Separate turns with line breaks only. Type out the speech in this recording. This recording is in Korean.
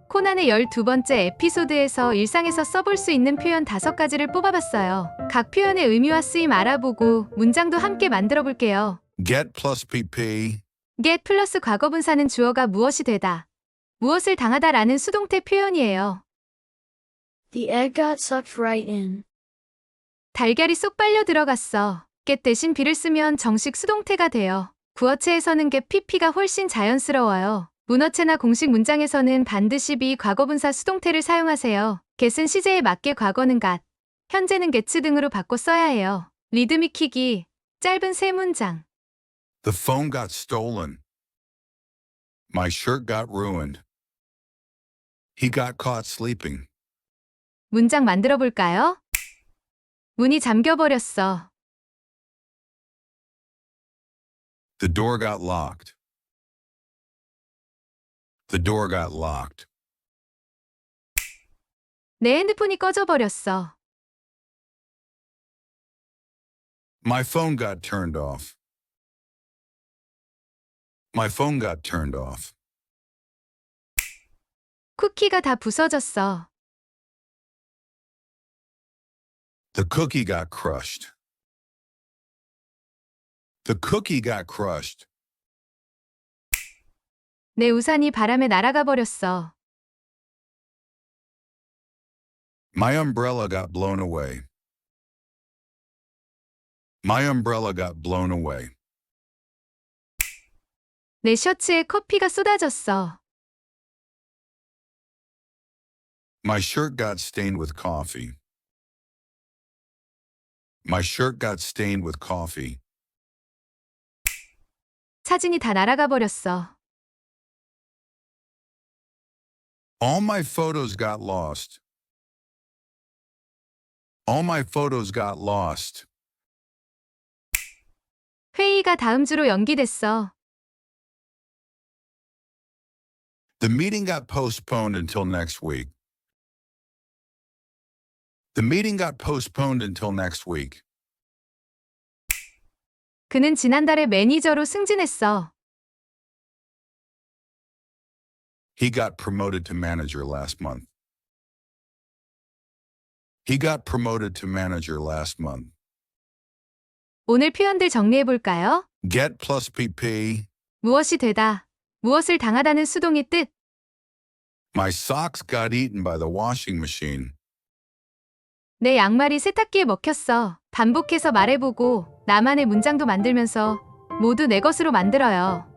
코난의 12번째 에피소드에서 일상에서 써볼 수 있는 표현 5가지를 뽑아봤어요. 각 표현의 의미와 쓰임 알아보고 문장도 함께 만들어 볼게요.
Get plus PP.
get 플러스 과거분사는 주어가 무엇이 되다, 무엇을 당하다라는 수동태 표현이에요.
The egg got sucked right in.
달걀이 쏙 빨려 들어갔어. get 대신 be를 쓰면 정식 수동태가 돼요. 구어체에서는 get pp가 훨씬 자연스러워요. 문어체나 공식 문장에서는 반드시 be 과거분사 수동태를 사용하세요. get은 시제에 맞게 과거는 got, 현재는 gets 등으로 바꿔 써야 해요. 리듬 익히기, 짧은 세 문장.
The phone got stolen. My shirt got ruined. He got caught sleeping.
문장 만들어 볼까요? 문이 잠겨버렸어.
The door got locked. The door got locked.
내 핸드폰이 꺼져버렸어.
My phone got turned off. My phone got turned off.
쿠키가 다 부서졌어.
The cookie got crushed. The cookie got crushed.
내 우산이 바람에 날아가 버렸어.
My umbrella got blown away. My umbrella got blown away.
내 셔츠에 커피가 쏟아졌어.
My shirt got stained with coffee. My shirt got stained with coffee.
사진이 다 날아가 버렸어.
All my photos got lost. All my photos got lost.
회의가 다음 주로 연기됐어.
The meeting got postponed until next week. The meeting got postponed until next week.
그는 지난달에 매니저로 승진했어.
He got promoted to manager last month. He got promoted to manager last month.
오늘 표현들 정리해 볼까요?
Get plus PP.
무엇이 되다, 무엇을 당하다는 수동의 뜻.
My socks got eaten by the washing machine.
내 양말이 세탁기에 먹혔어. 반복해서 말해보고 나만의 문장도 만들면서 모두 내 것으로 만들어요.